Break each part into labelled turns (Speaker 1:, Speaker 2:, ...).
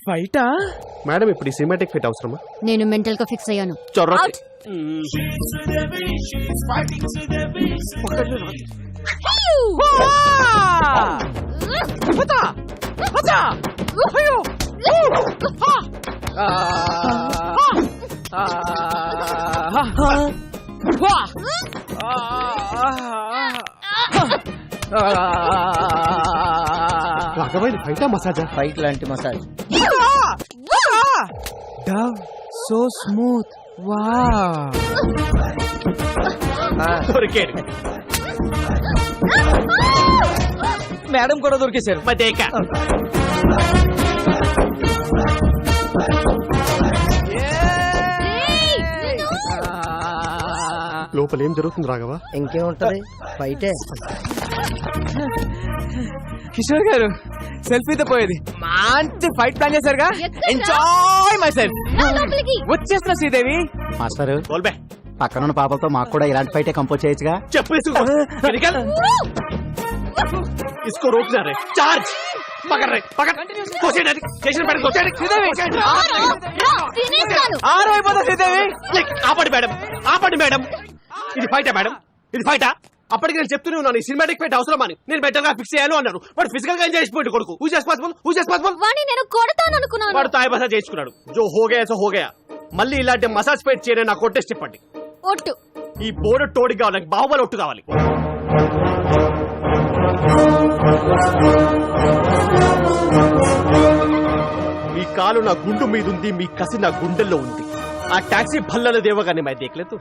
Speaker 1: ఫైటా?
Speaker 2: Madam ఇప్పుడు ఈ cinematic fight అవసరమా?
Speaker 3: నేను మెంటల్ గా ఫిక్స్ అయ్యాను.
Speaker 2: రాఘవయ్య ఫైటా మసాజా?
Speaker 4: ఫైట్ లాంటి massage.
Speaker 1: Dove so smooth. Wow.
Speaker 2: దొరికాడు.
Speaker 1: మేడం కూడా దొరికేశారు.
Speaker 2: మదేక లోపల ఏం జరుగుతుంది రాఘవ?
Speaker 4: ఇంకేముంటది, ఫైటే.
Speaker 1: కిషోర్ గారు సెల్ఫీతో పోయేది మంచి ఫైట్ ప్లాన్ చేశారుగా.
Speaker 3: ఎక్కడ్రా?
Speaker 1: Enjoy myself.
Speaker 3: లోపలికి
Speaker 1: వచ్చేస్తున్నా శ్రీదేవి.
Speaker 4: మాస్టర్
Speaker 2: బోల్బే
Speaker 4: పక్కనున్న పాపలతో మాకు కూడా ఇలాంటి ఫైటే కంపోజ్ చేయొచ్చుగా.
Speaker 2: చెప్పు इसको रोकना रे चार्ज पकड़ रे पकड़ कोसे डाली स्टेशन पर कोसे
Speaker 1: ఆరు అయిపోతా శ్రీదేవి.
Speaker 2: ఆపండి మేడం ఇది ఫైటా మేడం ఇది ఫైటా? అప్పటికి నేను చెప్తూనే ఉన్నాను ఈ సినిమాటిక్ ఫైట్ అవసరం అని. నేను బెటర్ గా ఫిక్స్ చేయాలి అన్నారు. వాడు ఫిజికల్ గా ఎంజాయ్ చేసిపోయింది కొడుకు. హూ ఇస్ పాసిబుల్
Speaker 3: వాణ్ణి నేను కొడతాను అనుకున్నాను.
Speaker 2: వాడు తాయి మసాజ్ చేసుకున్నాడు. జో హోగయా సో హోగయా. మళ్ళీ ఇలాంటి మసాజ్ ఫైట్ చేయని నాకు కొట్టేసి చెప్పండి.
Speaker 3: ఒట్టు.
Speaker 2: ఈ బోర్డు తోడి కావాలి, నాకు బాహుబలి ఒట్టు కావాలి. మీ కాలు నా గుండు మీద ఉంది, మీ కసి నా గుండెల్లో ఉంది. ఆ టాక్సీ భల్లల దేవగానే మై దేఖలేదు.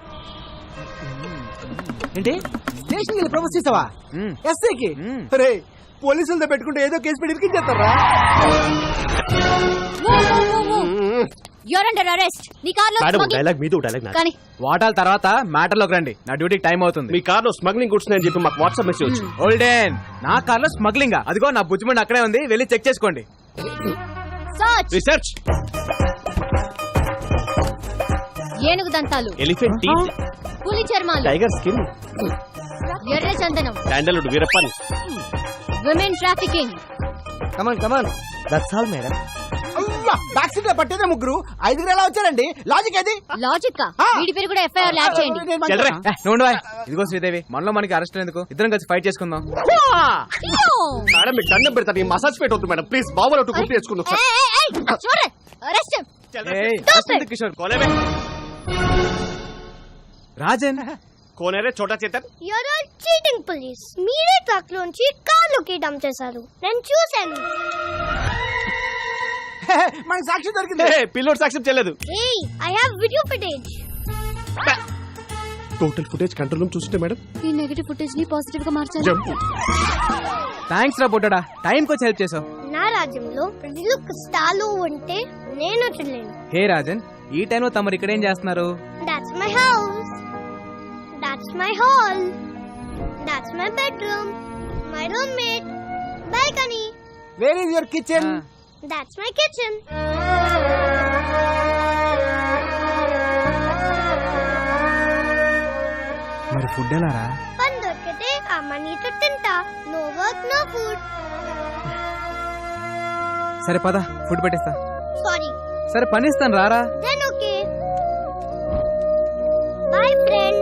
Speaker 1: ఏంటి
Speaker 4: స్టేషన్ ప్రపోజ్ చేసావా ఎస్ఐకి? రే పోలీసులతో పెట్టుకుంటే ఏదో కేసు పెట్టి ఇరికించేస్తారా?
Speaker 3: You're under arrest. నీ కార్లో
Speaker 2: మేడం డైలాగ్ మీదో డైలాగ్ నా.
Speaker 3: కానీ
Speaker 1: వాటాల తర్వాత మ్యాటర్ లోకి రండి. నా డ్యూటీకి టైం అవుతుంది.
Speaker 2: మీ కార్ లో స్మగ్లింగ్ గుడ్స్ అని చెప్పి మాకు వాట్సాప్ మెసేజ్ వచ్చింది.
Speaker 1: ఓల్డెన్ నా కార్ లో స్మగ్లింగ్. అదిగో నా బుజ్జిమండి అక్కడే ఉంది, వెళ్ళి చెక్ చేసుకోండి.
Speaker 3: సర్చ్.
Speaker 2: రీసెర్చ్
Speaker 3: ఏనుగు దంతాలు,
Speaker 2: ఎలిఫెంట్ టీత్,
Speaker 3: పులి చర్మాలు,
Speaker 2: టైగర్ స్కిన్,
Speaker 3: ఎర్ర చందనం,
Speaker 2: శాండల్వుడ్ వీరప్పని,
Speaker 3: women trafficking.
Speaker 4: Come on that's all madam. Back seat లో పట్టేదే ముగ్గురు, ఐదుగురు ఎలా వచ్చారండి? లాజిక్ అది.
Speaker 3: లాజిక్. వీడి పేరు కూడా ఎఫ్ఐఆర్ యాడ్ చేయండి.
Speaker 2: చెల్రే
Speaker 1: ఇదిగో శ్రీదేవి, మనలో మనకి అరెస్ట్ ఎందుకు? ఇద్దరం కలిసి ఫైట్ చేసుకుందాం.
Speaker 2: మేడం మీకు దండం పెడతాను. ఈ మసాజ్ ఫైట్ వద్దు మేడం ప్లీజ్. బాబులు ఒట్టు గుర్తు చేసుకుందాం.
Speaker 3: అరెస్ట్.
Speaker 1: ఏయ్, arrest ఎందుకు కిషోర్?
Speaker 2: కోనేరే
Speaker 1: రాజన్
Speaker 2: కోనేరే Chota Chetan.
Speaker 5: You're all cheating police. మీరే ట్రక్ లోంచి కార్లోకి డంప్ చేశారు. నేను చూశాను.
Speaker 4: మనకి సాక్షి దొరికింది.
Speaker 2: పిల్లోడ్ సాక్ష్యం చెల్లదు.
Speaker 5: Hey, I have video footage.
Speaker 2: Total footage control room చూస్తుంటే మేడం
Speaker 3: ఈ నెగటివ్ ఫుటేజ్ ని పాజిటివ్ గా మార్చాలి.
Speaker 2: జంప్.
Speaker 1: థ్యాంక్స్ రా పొట్టడా, టైం కి వచ్చి హెల్ప్ చేసావు.
Speaker 5: నా రాజ్యంలో ప్రజలు కష్టాలు ఉంటే నేను చూడలేను.
Speaker 1: హే రాజన్, ఈ టైంలో తమరు ఇక్కడ ఏం చేస్తున్నారు?
Speaker 5: That's my house. That's my hall. That's my bedroom. My roommate. Balcony.
Speaker 4: Where is your kitchen?
Speaker 5: That's my kitchen.
Speaker 1: మరి ఫుడ్ ఎలా రా?
Speaker 5: పని దొరికితే అమ్మనీతో తింటా. No work, no food.
Speaker 1: సరే పద, ఫుడ్ పెట్టేస్తా.
Speaker 5: Sorry.
Speaker 1: సరే పని ఇస్తాను, రారా.
Speaker 5: Then okay. Bye, friend.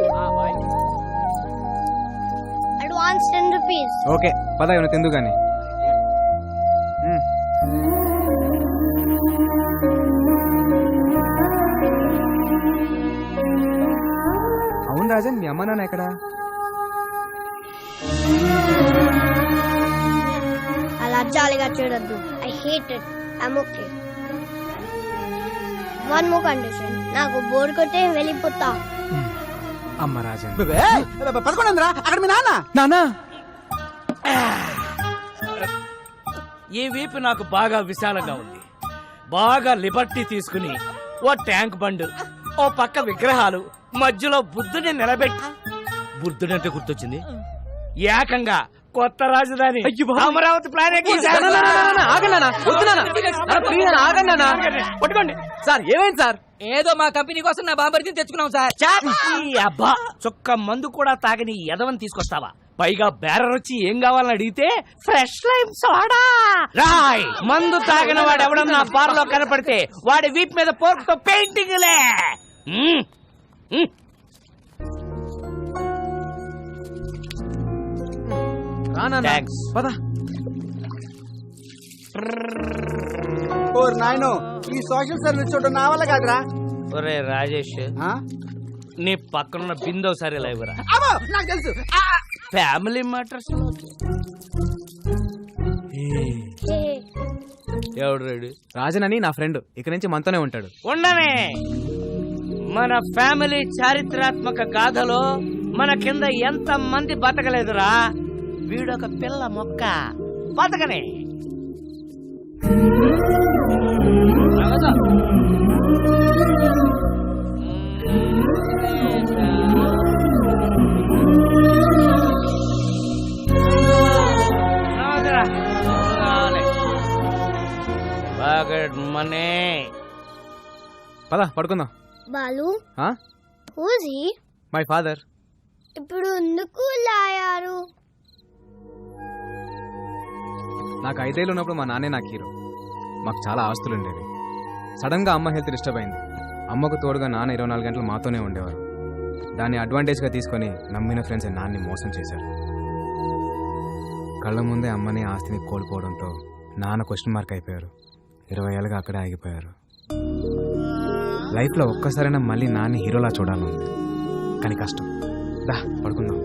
Speaker 5: Advance 10 rupees.
Speaker 1: Okay పద, ఏమైనా తిందు గాని. అవును రాజన్, మీ అమ్మ నాన్న ఎక్కడా?
Speaker 5: అలా జాలిగా చూడొద్దు. I hate it. I'm okay. One more condition. నాకు బోర్ కొట్టే వెళ్ళిపోతా.
Speaker 1: అమ్మ రాజన్.
Speaker 4: పదకొండురా అక్కడ మీ నాన్న.
Speaker 1: నానా
Speaker 6: ఈ వీపు నాకు బాగా విశాలంగా ఉంది. బాగా లిబర్టీ తీసుకుని ఓ ట్యాంక్ బండ్, ఓ పక్క విగ్రహాలు, మధ్యలో బుద్ధుని నిలబెట్టి, బుద్ధుడంటే గుర్తొచ్చింది, ఏకంగా కొత్త రాజధాని అమరావతి ప్లాన్
Speaker 1: పట్టుకోండి సార్. ఏమైంది సార్?
Speaker 6: ఏదో మా కంపెనీ కోసం నా బాంబర్తిని తెచ్చుకున్నాం సార్. ఈ అబ్బా చుక్క మందు కూడా తాగని ఎదవని తీసుకొస్తావా? పైగా బేరర్ వచ్చి ఏం కావాలని అడిగితే ఫ్రెష్ లైమ్ సోడా రాయ్. మందు తాగిన వాడు ఎవడన్నా బార్ లో కనపడితే వాడి వీప్ మీద పోర్క్ తో పెయింటింగ్లే. Thanks.
Speaker 1: పద.
Speaker 4: ఓర్ నాయనో ఈ సోషల్ సర్వీస్ చూడడం నా వల్ల కాదురా.
Speaker 6: ఒరే రాజేష్,
Speaker 4: ఆ?
Speaker 6: నీ పక్కనున్న బిందో సరే లేవురా.
Speaker 4: అమ్మో, నాకు తెలుసు.
Speaker 6: ఫ్యామిలీ మ్యాటర్స్ ఎవడు రెడీ?
Speaker 1: రాజన్ అని నా ఫ్రెండ్ ఇక్కడి నుంచి మనతోనే ఉంటాడు.
Speaker 6: ఉండనే. మన ఫ్యామిలీ చారిత్రాత్మక గాథలో మన కింద ఎంత మంది బతకలేదురా, వీడొక పిల్ల మొక్క బతకనే. మనీ
Speaker 1: పద పడుకుందాం.
Speaker 5: బాలు
Speaker 1: ఆ?
Speaker 5: Who's he
Speaker 1: my father.
Speaker 5: ఇప్పుడు ఎందుకు లాయారు?
Speaker 1: నాకు 5 ఏళ్ళు ఉన్నప్పుడు మా నాన్నే నాకు హీరో. మాకు చాలా ఆస్తులు ఉండేవి. సడన్ గా అమ్మ హెల్త్ డిస్టర్బ్ అయింది. అమ్మకు తోడుగా నాన్న 24 గంటలు మాతోనే ఉండేవారు. దాన్ని అడ్వాంటేజ్ గా తీసుకొని నమ్మిన ఫ్రెండ్స్ నాన్ని మోసం చేశారు. కళ్ళ ముందే అమ్మని ఆస్తిని కోల్పోవడంతో నాన్న క్వశ్చన్ మార్క్ అయిపోయారు. 20 ఏళ్ళుగా అక్కడే ఆగిపోయారు. లైఫ్లో ఒక్కసారైనా మళ్ళీ నాన్ని హీరోలా చూడాలని, కానీ కష్టం. దా పడుకుందాం.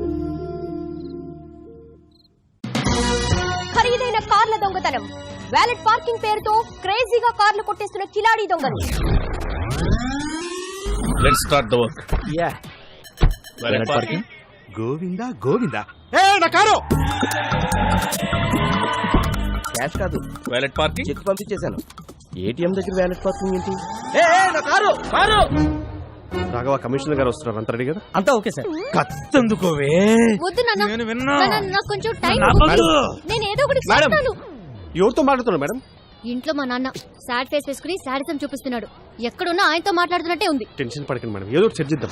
Speaker 3: ఖరీదైన కార్ల దొంగతనం, వ్యాలెట్ పార్కింగ్ పేరుతో క్రేజీగా కార్లు కొట్టేస్తున్న కిలాడీ దొంగలు.
Speaker 7: Let's start the work.
Speaker 2: Yeah.
Speaker 7: Valet parking.
Speaker 2: Govinda Govinda. ఏ నా కారు.
Speaker 4: క్యాష్ కాదు,
Speaker 7: Valet parking.
Speaker 4: చెక్ పంపించేశాను. ఏటీఎం దగ్గర వ్యాలెట్ పార్కింగ్ ఏంటి?
Speaker 2: నా కారు కారు. రాఘవ కమిషనర్ గారు వస్తున్నారు, అంత రెడీ కదా?
Speaker 4: అంతా ఓకే సార్.
Speaker 6: కత్తందుకోవే.
Speaker 3: వద్దు నాన్న,
Speaker 6: నేను విన్నా.
Speaker 3: నాన్న, నాకు కొంచెం టైం
Speaker 6: నాకు
Speaker 3: ఇవ్వు.
Speaker 6: వద్దు.
Speaker 3: నేను ఏదో ఒకటి
Speaker 2: మేడం.
Speaker 3: చేస్తాను.
Speaker 2: ఎవరితో మాట్లాడుతున్నారు మేడం?
Speaker 3: ఇంట్లో మా నాన్న సాడ్ ఫేస్ వేసుకుని సాడిజం చూపిస్తున్నాడు. ఎక్కడున్నా ఆయనతో మాట్లాడుతున్నట్టే ఉంది.
Speaker 2: టెన్షన్ పడకండి మేడం, ఏదో ఒకటి చర్చిద్దాం.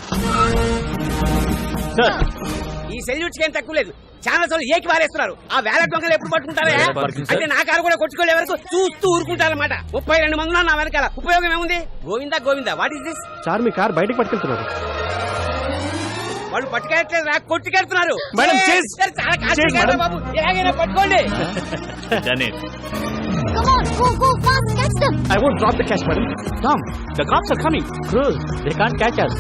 Speaker 6: ఈ సెల్యూట్స్ ఏం తక్కువ లేదు. చాలా సార్లు ఏకి వారేస్తున్నారు. ఆ వ్యాలెట్ దొంగలు ఎప్పుడు పట్టుకుంటారా?
Speaker 7: Valet parking, sir.
Speaker 6: అంటే నా కారు కూడా కొట్టుకోలే వరకు చూస్తూ ఊరుకుంటారన్నమాట. 32 మంది ఉన్నారు నా వెనకాల. ఉపయోగం ఏముంది? Govinda Govinda, what is this?
Speaker 2: Sir మీ కార్ బయటకు పట్టుకెళ్తున్నారు.
Speaker 6: వాళ్ళు పట్టుకెళ్ళట్లేదు, నాకు కొట్టుకెళ్తున్నారు.
Speaker 2: మేడం,
Speaker 6: ఏ,
Speaker 2: చేస్.
Speaker 6: సార్, చాలా
Speaker 2: చేస్,
Speaker 6: కాస్ట్లీ కారు
Speaker 2: మేడం.
Speaker 6: బాబు, ఎలాగైనా పట్టుకోండి.
Speaker 7: Done it.
Speaker 3: Come on, go fast, catch them.
Speaker 2: I won't drop the cash, madam.
Speaker 7: Tom, the cops are coming. Cruz, they can't catch us.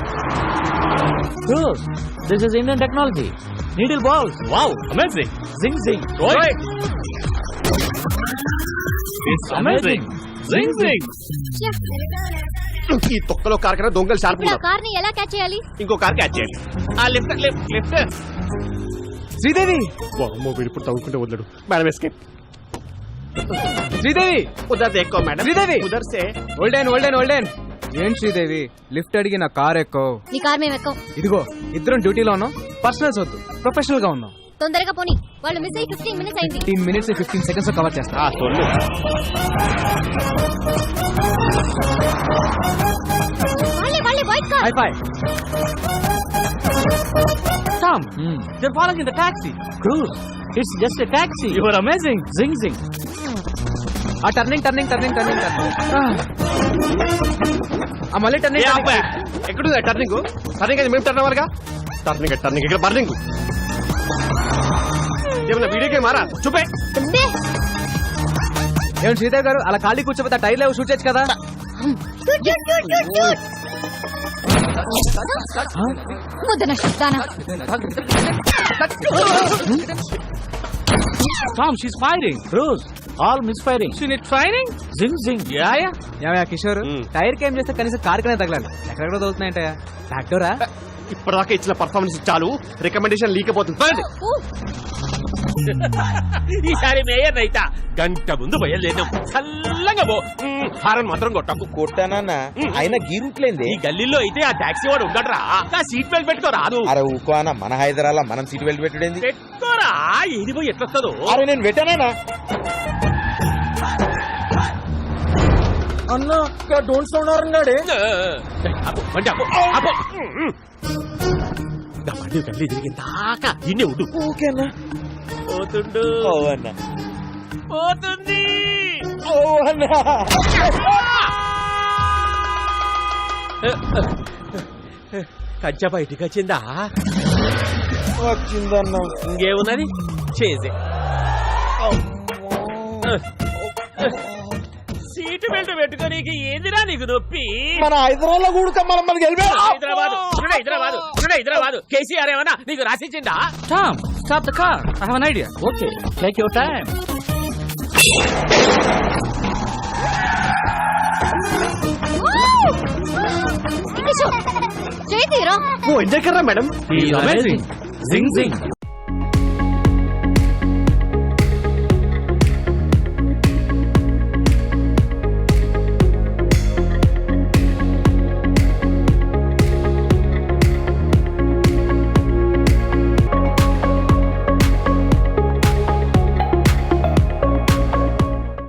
Speaker 7: Cruz, this is Indian technology. Needle balls. Wow, amazing. Zing zing. Roy. It's amazing. Zing zing.
Speaker 2: ఈ తొక్కలో car కన్నా దొంగలు sharp
Speaker 3: ఇప్పుడు ఆ
Speaker 2: ఉన్నారు.
Speaker 3: Car ని ఎలా catch చేయాలి?
Speaker 2: ఇంకో కార్ క్యాచ్ చేయాలి. ఆ లిఫ్ట్ లిఫ్ట్ లిఫ్ట్.
Speaker 1: శ్రీదేవి,
Speaker 2: అమ్మో వీడు ఇప్పుడు తవ్వుకుంటే వదలడు. Madam escape.
Speaker 1: శ్రీదేవి,
Speaker 2: ఉదర్ ఎక్కువ మేడం.
Speaker 1: శ్రీదేవి.
Speaker 2: ఉదర్ సే.
Speaker 1: ఓల్డెన్. ఏం శ్రీదేవి, లిఫ్ట్ అడిగి నా కార్ ఎక్కువ.
Speaker 3: నీ కార్ మేము ఎక్కం.
Speaker 1: ఇదిగో ఇద్దరం డ్యూటీలో ఉన్నాం. పర్సనల్స్ వద్దు, ప్రొఫెషనల్ గా ఉన్నాం.
Speaker 3: తొందరగా పోనీ, వాళ్ళు మిస్ అయ్యి 15 మినిట్స్ అయింది.
Speaker 1: 15 మినిట్స్ 15 సెకండ్స్ లో కవర్ చేస్తా.
Speaker 2: సొల్లు.
Speaker 3: వాళ్ళే white car.
Speaker 1: Hi fi.
Speaker 7: Tom, they're following in the taxi. Cruz, it's just a taxi. You are amazing. Zing zing.
Speaker 1: ఆ టర్నింగ్ ఆ మళ్ళీ టర్నింగ్.
Speaker 2: ఎక్కడుంది టర్నింగ్? టర్నింగ్ అది మేము టర్న్ అవ్వాలిగా. టర్నింగ్ ఇక్కడ బర్నింగ్. ఏమన్నా వీడియో గేమ్ మారా చూపే.
Speaker 1: ఏం శ్రీదేవి గారు అలా ఖాళీ కూర్చోపోతే టైర్ లేవు, షూట్ చేయొచ్చు కదా.
Speaker 3: వద్దన దానా.
Speaker 7: Tom, she's firing. Cruz, all misfiring. She need training. Zing zing. Yeah.
Speaker 1: ఏమయ్యా కిషోర్, టైర్ కి ఏం చేస్తే కనీసం కార్ కనే తగలాలి. ఎక్కడెక్కడ తగులుతున్నాయంటే ట్రాక్టరా?
Speaker 2: ఇప్పటిదాకా ఇచ్చిన పర్ఫార్మెన్స్ చాలు, రికమెండేషన్ లీకపోతుంది.
Speaker 6: ఈసారి మేయర్ రైతా.
Speaker 7: గంట ముందు బయలుదేరాం. చల్లగా పో. హారన్ మాత్రం కొట్టకు.
Speaker 4: కొట్టానన్నా అయినా గీరుట్లేంది.
Speaker 7: ఈ గల్లీలో అయితే ఆ టాక్సీ వాడు ఉండడరా. ఆ సీట్ బెల్ట్ పెట్టుకో రాదు.
Speaker 4: అరే ఊకో అన్న, మన హైదరాబాద్ మనం సీట్ బెల్ట్ పెట్టుడేంది?
Speaker 7: పెట్టుకోరా, ఇది పోయి ఎట్లొస్తుందో.
Speaker 4: అరే నేను పెట్టానా అన్నా? డోంట్ సౌండ్ అన్నాడే.
Speaker 7: బండి ఆపు, ఆపు.
Speaker 2: దా బండి కళ్ళు తిరిగిన దాకా ఇన్నే ఉండు.
Speaker 4: ఓకేనా
Speaker 2: పోతుండు.
Speaker 4: ఓ అన్న
Speaker 2: పోతుంది.
Speaker 4: ఓ అన్న
Speaker 2: కంచె బయటికి వచ్చిందా?
Speaker 4: వచ్చిందన్న
Speaker 2: ఇంకేమున్నది చేసే. సీటు బెల్ట్ పెట్టుకోనీకి ఏందిరా నీకు నొప్పి?
Speaker 4: మన హైదరాబాద్ కూడక మనం మనకి
Speaker 2: హైదరాబాద్ కేసీఆర్ ఏమన్నా నీకు రాసిచ్చిందా?
Speaker 7: Tom, stop the car. I have an idea. Okay, take your time.
Speaker 3: చేతిరా
Speaker 2: ఓ ఎంజాయ్ కర్రా madam.
Speaker 7: He's amazing. Zing zing.